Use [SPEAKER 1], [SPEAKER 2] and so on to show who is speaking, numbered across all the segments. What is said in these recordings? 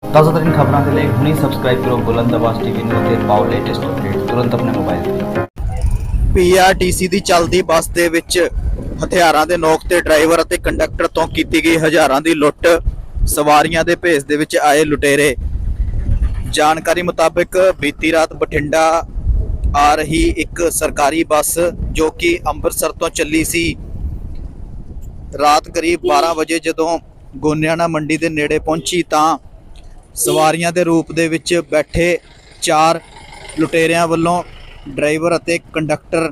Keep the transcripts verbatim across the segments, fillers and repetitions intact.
[SPEAKER 1] ਤਾਜ਼ਾ ਤਰੀਨ ਖਬਰਾਂ ਦੇ ਲਈ ਹੁਣੇ ਸਬਸਕ੍ਰਾਈਬ ਕਰੋ ਬੁਲੰਦ ਆਵਾਜ਼ ਟੀਵੀ ਨੂੰ ਅਤੇ ਪਾਓ ਲੇਟੈਸਟ ਅਪਡੇਟ ਤੁਰੰਤ ਆਪਣੇ ਮੋਬਾਈਲ ਤੇ।
[SPEAKER 2] ਪੀਆਰਟੀਸੀ ਦੀ ਚੱਲਦੀ ਬੱਸ ਦੇ ਵਿੱਚ ਹਥਿਆਰਾਂ ਦੇ ਨੋਕ ਤੇ ਡਰਾਈਵਰ ਅਤੇ ਕੰਡਕਟਰ ਤੋਂ ਕੀਤੀ ਗਈ ਹਜ਼ਾਰਾਂ ਦੀ ਲੁੱਟ। ਸਵਾਰੀਆਂ ਦੇ ਭੇਸ ਦੇ ਵਿੱਚ ਆਏ ਲੁਟੇਰੇ। ਜਾਣਕਾਰੀ ਮੁਤਾਬਕ ਬੀਤੀ ਰਾਤ ਬਠਿੰਡਾ ਆ ਰਹੀ ਇੱਕ ਸਰਕਾਰੀ ਬੱਸ ਜੋ ਕਿ ਅੰਮ੍ਰਿਤਸਰ ਤੋਂ ਚੱਲੀ ਸੀ, ਰਾਤ ਕਰੀਬ ਬਾਰਾਂ ਵਜੇ ਜਦੋਂ ਗੋਨਿਆਣਾ ਮੰਡੀ ਦੇ ਨੇੜੇ ਪਹੁੰਚੀ ਤਾਂ ਸਵਾਰੀਆਂ ਦੇ ਰੂਪ ਦੇ ਵਿੱਚ ਬੈਠੇ ਚਾਰ ਲੁਟੇਰਿਆਂ ਵੱਲੋਂ ਡਰਾਈਵਰ ਅਤੇ ਕੰਡਕਟਰ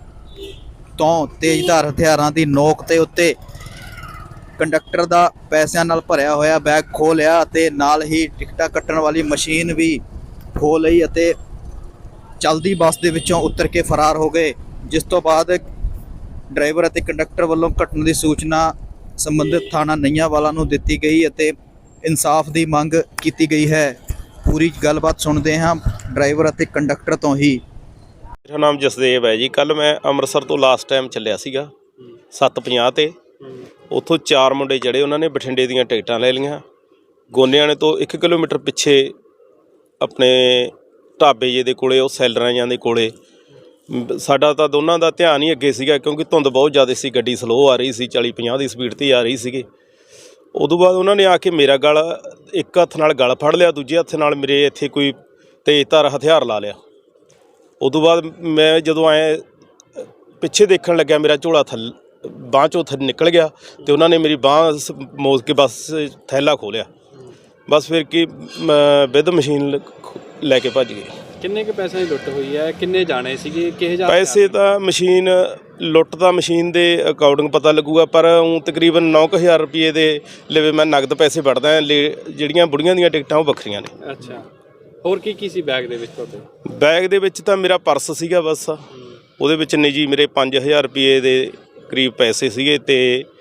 [SPEAKER 2] ਤੋਂ ਤੇਜ਼ਧਾਰ ਹਥਿਆਰਾਂ ਦੀ ਨੋਕ ਤੇ ਉੱਤੇ ਕੰਡਕਟਰ ਦਾ ਪੈਸਿਆਂ ਨਾਲ ਭਰਿਆ ਹੋਇਆ ਬੈਗ ਖੋਹ ਲਿਆ ਅਤੇ ਨਾਲ ਹੀ ਟਿਕਟਾਂ ਕੱਟਣ ਵਾਲੀ ਮਸ਼ੀਨ ਵੀ ਖੋਹ ਲਈ ਅਤੇ ਚਲਦੀ ਬੱਸ ਦੇ ਵਿੱਚੋਂ ਉਤਰ ਕੇ ਫਰਾਰ ਹੋ ਗਏ। ਜਿਸ ਤੋਂ ਬਾਅਦ ਡਰਾਈਵਰ ਅਤੇ ਕੰਡਕਟਰ ਵੱਲੋਂ ਘਟਨਾ ਦੀ ਸੂਚਨਾ ਸੰਬੰਧਿਤ ਥਾਣਾ ਨਈਆਂਵਾਲਾ ਨੂੰ ਦਿੱਤੀ ਗਈ ਅਤੇ ਇਨਸਾਫ ਦੀ ਮੰਗ ਕੀਤੀ ਗਈ ਹੈ। ਪੂਰੀ ਗੱਲਬਾਤ ਸੁਣਦੇ ਹਾਂ ਡਰਾਈਵਰ ਅਤੇ ਕੰਡਕਟਰ ਤੋਂ ਹੀ।
[SPEAKER 3] ਮੇਰਾ ਨਾਮ ਜਸਦੇਵ ਹੈ ਜੀ। ਕੱਲ੍ਹ ਮੈਂ ਅੰਮ੍ਰਿਤਸਰ ਤੋਂ ਲਾਸਟ ਟਾਈਮ ਚੱਲਿਆ ਸੀਗਾ ਸੱਤ ਪੰਜਾਹ 'ਤੇ। ਉੱਥੋਂ ਚਾਰ ਮੁੰਡੇ ਚੜ੍ਹੇ, ਉਹਨਾਂ ਨੇ ਬਠਿੰਡੇ ਦੀਆਂ ਟਿਕਟਾਂ ਲੈ ਲਈਆਂ। ਗੋਨਿਆਣੇ ਤੋਂ ਇੱਕ ਕਿਲੋਮੀਟਰ ਪਿੱਛੇ ਆਪਣੇ ਢਾਬੇ ਜੇ ਦੇ ਕੋਲੇ, ਉਹ ਸੈਲਰਾਂ ਜਾਂ ਦੇ ਕੋਲੇ, ਸਾਡਾ ਤਾਂ ਦੋਨਾਂ ਦਾ ਧਿਆਨ ਹੀ ਅੱਗੇ ਸੀਗਾ ਕਿਉਂਕਿ ਧੁੰਦ ਬਹੁਤ ਜ਼ਿਆਦਾ ਸੀ, ਗੱਡੀ ਸਲੋਅ ਆ ਰਹੀ ਸੀ, ਚਾਲੀ ਪੰਜਾਹ ਦੀ ਸਪੀਡ 'ਤੇ ਆ ਰਹੀ ਸੀਗੀ। ਉਦੋਂ ਬਾਅਦ ਉਹਨਾਂ ਨੇ ਆ ਕੇ ਮੇਰਾ ਗਲ ਇੱਕ ਹੱਥ ਨਾਲ ਗਲ ਫੜ ਲਿਆ, ਦੂਜੇ ਹੱਥ ਨਾਲ ਮੇਰੇ ਇੱਥੇ ਕੋਈ ਤੇਜ਼ਧਾਰ ਹਥਿਆਰ ਲਾ ਲਿਆ। ਉਦੋਂ ਬਾਅਦ ਮੈਂ ਜਦੋਂ ਐਂ ਪਿੱਛੇ ਦੇਖਣ ਲੱਗਿਆ, ਮੇਰਾ ਝੋਲਾ ਥੱਲੇ ਬਾਂਹ 'ਚੋਂ ਥੱਲੇ ਨਿਕਲ ਗਿਆ ਅਤੇ ਉਹਨਾਂ ਨੇ ਮੇਰੀ ਬਾਂਹ ਮੋੜ ਕੇ ਬਸ ਥੈਲਾ ਖੋਲ੍ਹਿਆ। ਬਸ ਫਿਰ ਕੀ ਵਿਦ ਮਸ਼ੀਨ ਲੈ ਕੇ ਭੱਜ ਗਏ।
[SPEAKER 4] ਕਿੰਨੇ ਕੁ ਪੈਸਿਆਂ ਦੀ ਲੁੱਟ ਹੋਈ ਹੈ? ਕਿੰਨੇ ਜਾਣੇ ਸੀਗੇ? ਕਿਹੋ ਜਿਹਾ
[SPEAKER 3] ਪੈਸੇ ਤਾਂ ਮਸ਼ੀਨ ਲੁੱਟ ਤਾਂ ਮਸ਼ੀਨ ਦੇ ਅਕਾਊਂਟਿੰਗ ਪਤਾ ਲੱਗੂਗਾ, ਪਰ ਉਹ ਤਕਰੀਬਨ ਨੌ ਕੁ ਹਜ਼ਾਰ ਰੁਪਏ ਦੇ ਲਵੇ ਮੈਂ ਨਗਦ ਪੈਸੇ ਵੜਦਾ। ਜਿਹੜੀਆਂ ਬੁੜੀਆਂ ਦੀਆਂ ਟਿਕਟਾਂ ਉਹ ਵੱਖਰੀਆਂ ਨੇ।
[SPEAKER 4] ਅੱਛਾ, ਹੋਰ ਕੀ ਕੀ ਸੀ ਬੈਗ ਦੇ ਵਿੱਚ ਤੁਹਾਡੇ?
[SPEAKER 3] ਬੈਗ ਦੇ ਵਿੱਚ ਤਾਂ ਮੇਰਾ ਪਰਸ ਸੀਗਾ ਬਸ, ਉਹਦੇ ਵਿੱਚ ਨਿੱਜੀ ਮੇਰੇ ਪੰਜ ਹਜ਼ਾਰ ਰੁਪਏ ਦੇ ਕਰੀਬ ਪੈਸੇ ਸੀਗੇ ਅਤੇ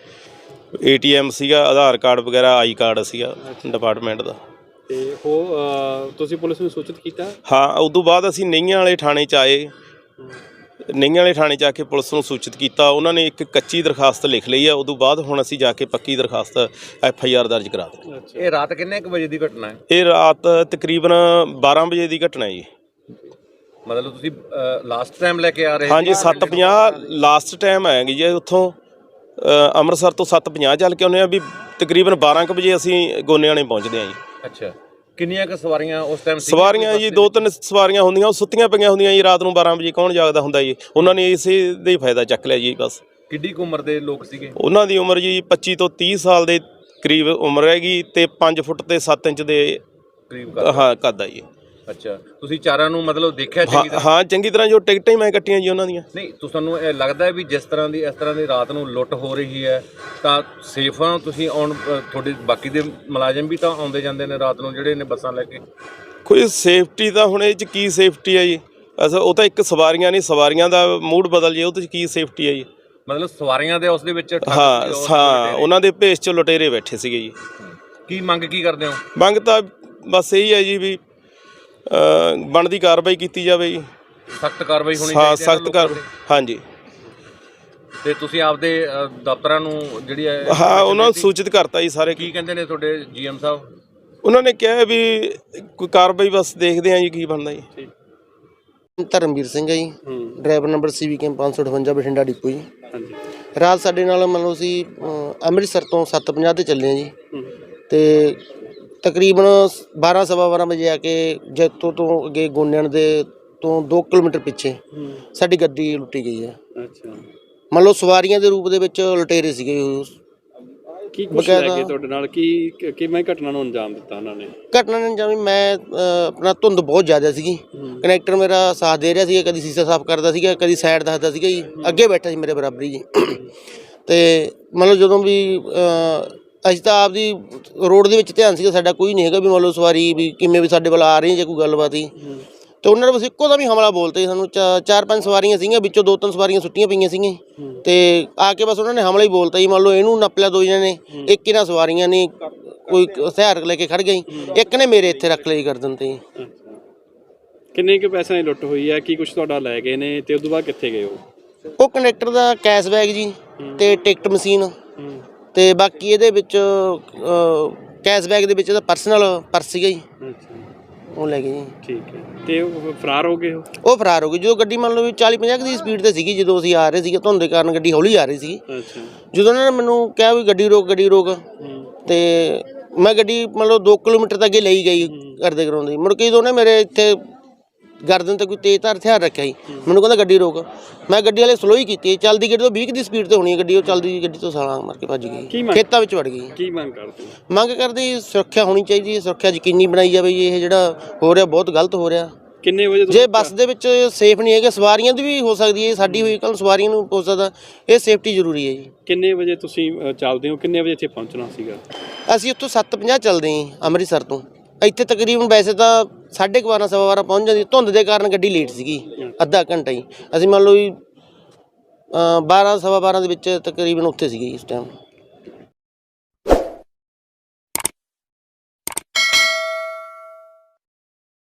[SPEAKER 3] ਏ ਟੀ ਐਮ ਸੀਗਾ, ਆਧਾਰ ਕਾਰਡ ਵਗੈਰਾ, ਆਈ ਕਾਰਡ ਸੀਗਾ ਡਿਪਾਰਟਮੈਂਟ ਦਾ।
[SPEAKER 4] ਅਤੇ ਉਹ ਤੁਸੀਂ ਪੁਲਿਸ ਨੂੰ ਸੂਚਿਤ ਕੀਤਾ?
[SPEAKER 3] ਹਾਂ, ਉਦੋਂ ਬਾਅਦ ਅਸੀਂ ਨਈਆਂ ਵਾਲੇ ਥਾਣੇ 'ਚ ਆਏ। ਨਈਆਂ ਵਾਲੇ ਥਾਣੇ 'ਚ ਆ ਕੇ ਪੁਲਿਸ ਨੂੰ ਸੂਚਿਤ ਕੀਤਾ। ਉਹਨਾਂ ਨੇ ਇੱਕ ਕੱਚੀ ਦਰਖਾਸਤ ਲਿਖ ਲਈ ਆ। ਉਦੋਂ ਬਾਅਦ ਹੁਣ ਅਸੀਂ ਜਾ ਕੇ ਪੱਕੀ ਦਰਖਾਸਤ ਐਫ ਆਈ ਆਰ ਦਰਜ ਕਰਾ ਦਿੱਤੀ।
[SPEAKER 5] ਇਹ ਰਾਤ ਕਿੰਨੇ ਕੁ ਵਜੇ ਦੀ ਘਟਨਾ ਹੈ?
[SPEAKER 3] ਇਹ ਰਾਤ ਤਕਰੀਬਨ ਬਾਰਾਂ ਵਜੇ ਦੀ ਘਟਨਾ ਜੀ।
[SPEAKER 5] ਮਤਲਬ ਤੁਸੀਂ ਲਾਸਟ ਟਾਈਮ ਲੈ ਕੇ ਆ ਰਹੇ?
[SPEAKER 3] ਹਾਂਜੀ, ਸੱਤ ਪੰਜਾਹ ਲਾਸਟ ਟਾਈਮ ਆਏਗੀ ਜੀ। ਉੱਥੋਂ ਅੰਮ੍ਰਿਤਸਰ ਤੋਂ ਸੱਤ ਪੰਜਾਹ ਚੱਲ ਕੇ ਆਉਂਦੇ ਹਾਂ, ਵੀ ਤਕਰੀਬਨ ਬਾਰਾਂ ਕੁ ਵਜੇ ਅਸੀਂ ਗੋਨਿਆਣੇ ਪਹੁੰਚਦੇ ਹਾਂ ਜੀ।
[SPEAKER 5] ਅੱਛਾ, ਕਿੰਨੀਆਂ ਕੁ ਸਵਾਰੀਆਂ ਉਸ ਟਾਈਮ?
[SPEAKER 3] ਸਵਾਰੀਆਂ ਜੀ ਦੋ ਤਿੰਨ ਸਵਾਰੀਆਂ ਹੁੰਦੀਆਂ, ਉਹ ਸੁੱਤੀਆਂ ਪਈਆਂ ਹੁੰਦੀਆਂ ਜੀ। ਰਾਤ ਨੂੰ ਬਾਰਾਂ ਵਜੇ ਕੌਣ ਜਾਗਦਾ ਹੁੰਦਾ ਜੀ। ਉਹਨਾਂ ਨੇ ਇਸੇ ਦਾ ਹੀ ਫਾਇਦਾ ਚੱਕ ਲਿਆ ਜੀ ਬਸ।
[SPEAKER 5] ਕਿੱਡੀ ਕੁ ਉਮਰ ਦੇ ਲੋਕ ਸੀਗੇ?
[SPEAKER 3] ਉਹਨਾਂ ਦੀ ਉਮਰ ਜੀ ਪੱਚੀ ਤੋਂ ਤੀਹ ਸਾਲ ਦੇ ਕਰੀਬ ਉਮਰ ਹੈਗੀ ਅਤੇ ਪੰਜ ਫੁੱਟ ਅਤੇ ਸੱਤ ਇੰਚ ਦੇ
[SPEAKER 5] ਕਰੀਬ
[SPEAKER 3] ਹਾਂ ਕੱਦ ਆ ਜੀ।
[SPEAKER 5] ਅੱਛਾ, ਤੁਸੀਂ ਚਾਰਾਂ ਨੂੰ ਮਤਲਬ ਦੇਖਿਆ ਚੰਗੀ ਤਰ੍ਹਾਂ?
[SPEAKER 3] ਹਾਂ, ਚੰਗੀ ਤਰ੍ਹਾਂ। ਜੋ ਟਿਕਟਾਂ ਹੀ ਮੈਂ ਕੱਟੀਆਂ ਜੀ ਉਹਨਾਂ ਦੀਆਂ।
[SPEAKER 5] ਨਹੀਂ, ਤੁਹਾਨੂੰ ਇਹ ਲੱਗਦਾ ਹੈ ਵੀ ਜਿਸ ਤਰ੍ਹਾਂ ਦੀ ਇਸ ਤਰ੍ਹਾਂ ਦੀ ਰਾਤ ਨੂੰ ਲੁੱਟ ਹੋ ਰਹੀ ਹੈ ਤਾਂ ਸੇਫ ਆ ਤੁਸੀਂ? ਆਉਣ ਤੁਹਾਡੇ ਬਾਕੀ ਦੇ ਮੁਲਾਜ਼ਮ ਵੀ ਤਾਂ ਆਉਂਦੇ ਜਾਂਦੇ ਨੇ ਰਾਤ ਨੂੰ ਜਿਹੜੇ ਨੇ ਬੱਸਾਂ ਲੈ ਕੇ।
[SPEAKER 3] ਕੋਈ ਸੇਫਟੀ ਤਾਂ ਹੁਣ ਇਹ 'ਚ ਕੀ ਸੇਫਟੀ ਹੈ ਜੀ? ਅਸਲ ਉਹ ਤਾਂ ਇੱਕ ਸਵਾਰੀਆਂ ਨਹੀਂ, ਸਵਾਰੀਆਂ ਦਾ ਮੂਡ ਬਦਲ ਜੇ, ਉਹ 'ਚ ਕੀ ਸੇਫਟੀ ਹੈ ਜੀ?
[SPEAKER 5] ਮਤਲਬ ਸਵਾਰੀਆਂ ਦੇ ਉਸ ਦੇ ਵਿੱਚ
[SPEAKER 3] ਹਾਂ ਹਾਂ, ਉਹਨਾਂ ਦੇ ਭੇਸ 'ਚ ਲੁਟੇਰੇ ਬੈਠੇ ਸੀਗੇ ਜੀ।
[SPEAKER 5] ਕੀ ਮੰਗ ਕੀ ਕਰਦੇ ਹੋ?
[SPEAKER 3] ਮੰਗ ਤਾਂ ਬਸ ਇਹੀ ਹੈ ਜੀ ਵੀ ਬਣਦੀ ਕਾਰਵਾਈ ਕੀਤੀ ਜਾਵੇ ਜੀ।
[SPEAKER 5] ਸਖਤ ਕਾਰਵਾਈ ਹੋਣੀ
[SPEAKER 3] ਹਾਂ,
[SPEAKER 5] ਚਾਹੀਦੀ ਹੈ
[SPEAKER 3] ਸਖਤ ਕਾਰਵਾਈ। ਹਾਂਜੀ,
[SPEAKER 5] ਤੇ ਤੁਸੀਂ ਆਪਦੇ ਦਫ਼ਤਰਾਂ ਨੂੰ ਜਿਹੜੀ ਹੈ
[SPEAKER 3] ਹਾਂ ਉਹਨਾਂ ਨੂੰ ਸੂਚਿਤ ਕਰਤਾ ਜੀ ਸਾਰੇ।
[SPEAKER 5] ਕੀ ਕਹਿੰਦੇ ਨੇ ਤੁਹਾਡੇ ਜੀ ਐਮ ਸਾਹਿਬ?
[SPEAKER 3] ਉਹਨਾਂ ਨੇ ਕਿਹਾ ਵੀ ਕੋਈ ਕਾਰਵਾਈ ਬਸ ਦੇਖਦੇ ਆ ਜੀ ਕੀ ਬਣਦਾ ਜੀ।
[SPEAKER 6] ਧਰਮਵੀਰ ਸਿੰਘ ਹੈ ਜੀ, ਡਰਾਈਵਰ ਨੰਬਰ ਸੀ ਵੀ ਕੇ ਪੰਜ ਸੌ ਅਠਵੰਜਾ ਬਠਿੰਡਾ ਡਿਪੂ ਜੀ। ਰਾਤ ਸਾਡੇ ਨਾਲ ਮੰਨ ਲਓ ਅਸੀਂ ਅੰਮ੍ਰਿਤਸਰ ਤੋਂ ਸੱਤ ਪੰਜਾਹ 'ਤੇ ਚੱਲੇ ਹਾਂ ਜੀ, ਅਤੇ ਤਕਰੀਬਨ ਬਾਰਾਂ ਸਵਾ ਬਾਰਾਂ ਵਜੇ ਆ ਕੇ ਜੈਤੋ ਤੋਂ ਅੱਗੇ ਗੋਨਿਆਣ ਦੇ ਤੋਂ ਦੋ ਕਿਲੋਮੀਟਰ ਪਿੱਛੇ ਸਾਡੀ ਗੱਡੀ ਲੁੱਟੀ ਗਈ ਹੈ।
[SPEAKER 4] ਅੱਛਾ,
[SPEAKER 6] ਮੰਨ ਲਓ ਸਵਾਰੀਆਂ ਦੇ ਰੂਪ ਦੇ ਵਿੱਚ ਲੁਟੇਰੇ ਸੀਗੇ।
[SPEAKER 4] ਕੀ ਕੁਛ ਲੈ ਕੇ ਤੁਹਾਡੇ ਨਾਲ ਕੀ ਕਿਵੇਂ ਘਟਨਾ ਨੂੰ ਅੰਜਾਮ ਦਿੱਤਾ ਉਹਨਾਂ ਨੇ?
[SPEAKER 6] ਘਟਨਾ ਨੇ ਜਿਵੇਂ ਮੈਂ ਆਪਣਾ ਧੁੰਦ ਬਹੁਤ ਜ਼ਿਆਦਾ ਸੀਗੀ, ਕਨੈਕਟਰ ਮੇਰਾ ਸਾਥ ਦੇ ਰਿਹਾ ਸੀਗਾ, ਕਦੀ ਸ਼ੀਸ਼ਾ ਸਾਫ਼ ਕਰਦਾ ਸੀਗਾ, ਕਦੀ ਸਾਈਡ ਦੱਸਦਾ ਸੀਗਾ ਜੀ, ਅੱਗੇ ਬੈਠਾ ਸੀ ਮੇਰੇ ਬਰਾਬਰੀ ਜੀ। ਅਤੇ ਮਤਲਬ ਜਦੋਂ ਵੀ ਅਸੀਂ ਤਾਂ ਆਪਦੀ ਰੋਡ ਦੇ ਵਿੱਚ ਧਿਆਨ ਸੀਗਾ ਸਾਡਾ, ਕੋਈ ਨਹੀਂ ਹੈਗਾ ਵੀ ਮੰਨ ਲਓ ਸਵਾਰੀ ਵੀ ਕਿਵੇਂ ਵੀ ਸਾਡੇ ਵੱਲ ਆ ਰਹੀ ਜਾਂ ਕੋਈ ਗੱਲਬਾਤ ਹੀ। ਅਤੇ ਉਹਨਾਂ ਨੇ ਬਸ ਇੱਕੋ ਦਾ ਵੀ ਹਮਲਾ ਬੋਲਤੇ ਸਾਨੂੰ। ਚਾ ਚਾਰ ਪੰਜ ਸਵਾਰੀਆਂ ਸੀਗੀਆਂ, ਵਿੱਚੋਂ ਦੋ ਤਿੰਨ ਸਵਾਰੀਆਂ ਸੁੱਟੀਆਂ ਪਈਆਂ ਸੀਗੀਆਂ, ਅਤੇ ਆ ਕੇ ਬਸ ਉਹਨਾਂ ਨੇ ਹਮਲਾ ਹੀ ਬੋਲਤਾ ਜੀ। ਮੰਨ ਲਓ ਇਹਨੂੰ ਨੱਪ ਲਿਆ ਦੋ ਜਣਿਆਂ ਨੇ, ਇੱਕ ਇਹਨਾਂ ਸਵਾਰੀਆਂ ਨੇ ਕੋਈ ਹਥਿਆਰ ਲੈ ਕੇ ਖੜ੍ਹ ਗਈ, ਇੱਕ ਨੇ ਮੇਰੇ ਇੱਥੇ ਰੱਖ ਲਈ ਗਰਦਨ 'ਤੇ।
[SPEAKER 4] ਕਿੰਨੇ ਕੁ ਪੈਸਿਆਂ ਦੀ ਲੁੱਟ ਹੋਈ ਹੈ? ਕੀ ਕੁਛ ਤੁਹਾਡਾ ਲੈ ਗਏ ਨੇ ਅਤੇ ਉਦੋਂ ਬਾਅਦ ਕਿੱਥੇ ਗਏ ਉਹ?
[SPEAKER 6] ਉਹ ਕੰਡਕਟਰ ਦਾ ਕੈਸ਼ ਬੈਗ ਜੀ, ਅਤੇ ਟਿਕਟ ਮਸ਼ੀਨ, ਅਤੇ ਬਾਕੀ ਇਹਦੇ ਵਿੱਚ ਕੈਸ਼ ਬੈਗ ਦੇ ਵਿੱਚ ਇਹਦਾ ਪਰਸਨਲ ਪਰਸ ਸੀਗਾ ਜੀ,
[SPEAKER 4] ਅੱਛਾ
[SPEAKER 6] ਉਹ ਲੈ ਗਏ ਜੀ।
[SPEAKER 4] ਠੀਕ ਹੈ, ਤੇ ਉਹ ਫਰਾਰ ਹੋ ਗਏ ਉਹ?
[SPEAKER 6] ਉਹ ਫਰਾਰ ਹੋ ਗਏ। ਜਦੋਂ ਗੱਡੀ ਮੰਨ ਲਓ ਵੀ ਚਾਲੀ ਪੰਜਾਹ ਦੀ ਸਪੀਡ ਤੇ ਸੀਗੀ, ਜਦੋਂ ਅਸੀਂ ਆ ਰਹੇ ਸੀਗੇ ਧੁੰਦ ਦੇ ਕਾਰਨ ਗੱਡੀ ਹੌਲੀ ਆ ਰਹੀ ਸੀਗੀ।
[SPEAKER 4] ਅੱਛਾ।
[SPEAKER 6] ਜਦੋਂ ਉਹਨਾਂ ਨੇ ਮੈਨੂੰ ਕਿਹਾ ਵੀ ਗੱਡੀ ਰੋਕ ਗੱਡੀ ਰੋਕ, ਤੇ ਮੈਂ ਗੱਡੀ ਮੰਨ ਲਓ ਦੋ ਕਿਲੋਮੀਟਰ ਤੱਕ ਅੱਗੇ ਲਈ ਗਈ ਕਰਦੇ ਕਰਾਉਂਦੇ। ਮੁੜ ਕੇ ਜਦੋਂ ਉਹਨੇ ਮੇਰੇ ਇੱਥੇ ਗਰਦਨ ਤੇ ਕੋਈ ਤੇਜ਼ਧਾਰ ਹਥਿਆਰ ਰੱਖਿਆ ਜੀ, ਮੈਨੂੰ ਕਹਿੰਦਾ ਗੱਡੀ ਰੋਕ। ਮੈਂ ਗੱਡੀ ਵਾਲੇ ਸਲੋ ਹੀ ਕੀਤੀ, ਚੱਲਦੀ ਗੱਡੀ ਤੋਂ ਵੀਹ ਦੀ ਸਪੀਡ ਤੇ ਹੋਣੀ ਹੈ ਗੱਡੀ, ਉਹ ਚੱਲਦੀ ਗੱਡੀ ਤੋਂ ਸਾਲਾਂ ਮਾਰ ਕੇ ਭੱਜ ਗਈ, ਖੇਤਾਂ ਵਿੱਚ ਵੜ ਗਈ।
[SPEAKER 4] ਕੀ ਮੰਗ ਕਰਦੇ?
[SPEAKER 6] ਮੰਗ ਕਰਦੇ ਸੁਰੱਖਿਆ ਹੋਣੀ ਚਾਹੀਦੀ ਹੈ, ਸੁਰੱਖਿਆ ਯਕੀਨੀ ਬਣਾਈ ਜਾਵੇ। ਇਹ ਜਿਹੜਾ ਹੋ ਰਿਹਾ ਬਹੁਤ ਗਲਤ ਹੋ ਰਿਹਾ।
[SPEAKER 4] ਕਿੰਨੇ ਵਜੇ?
[SPEAKER 6] ਜੇ ਬੱਸ ਦੇ ਵਿੱਚ ਸੇਫ ਨਹੀਂ ਹੈਗੇ, ਸਵਾਰੀਆਂ ਦੀ ਵੀ ਹੋ ਸਕਦੀ ਹੈ, ਸਾਡੀ ਹੋਈ ਕੱਲ ਸਵਾਰੀਆਂ ਨੂੰ ਹੋ ਸਕਦਾ, ਇਹ ਸੇਫਟੀ ਜ਼ਰੂਰੀ ਹੈ ਜੀ।
[SPEAKER 4] ਕਿੰਨੇ ਵਜੇ ਤੁਸੀਂ ਅ, ਚੱਲਦੇ ਹੋ? ਕਿੰਨੇ ਵਜੇ ਇੱਥੇ ਪਹੁੰਚਣਾ ਸੀਗਾ?
[SPEAKER 6] ਅਸੀਂ ਉੱਥੋਂ ਸੱਤ ਪੰਜਾਹ ਚੱਲਦੇ ਹਾਂ ਅੰਮ੍ਰਿਤਸਰ ਤੋਂ, ਇੱਥੇ ਤਕਰੀਬਨ ਵੈਸੇ ਤਾਂ ਸਾਢੇ ਕੁ ਬਾਰਾਂ ਸਵਾ ਬਾਰਾਂ ਪਹੁੰਚ ਜਾਂਦੀ, ਧੁੰਦ ਦੇ ਕਾਰਨ ਗੱਡੀ ਲੇਟ ਸੀਗੀ ਅੱਧਾ ਘੰਟਾ ਹੀ। ਅਸੀਂ ਮੰਨ ਲਓ ਵੀ ਬਾਰਾਂ ਸਵਾ ਬਾਰਾਂ ਦੇ ਵਿੱਚ ਤਕਰੀਬਨ ਉੱਥੇ ਸੀਗੇ ਇਸ ਟਾਈਮ।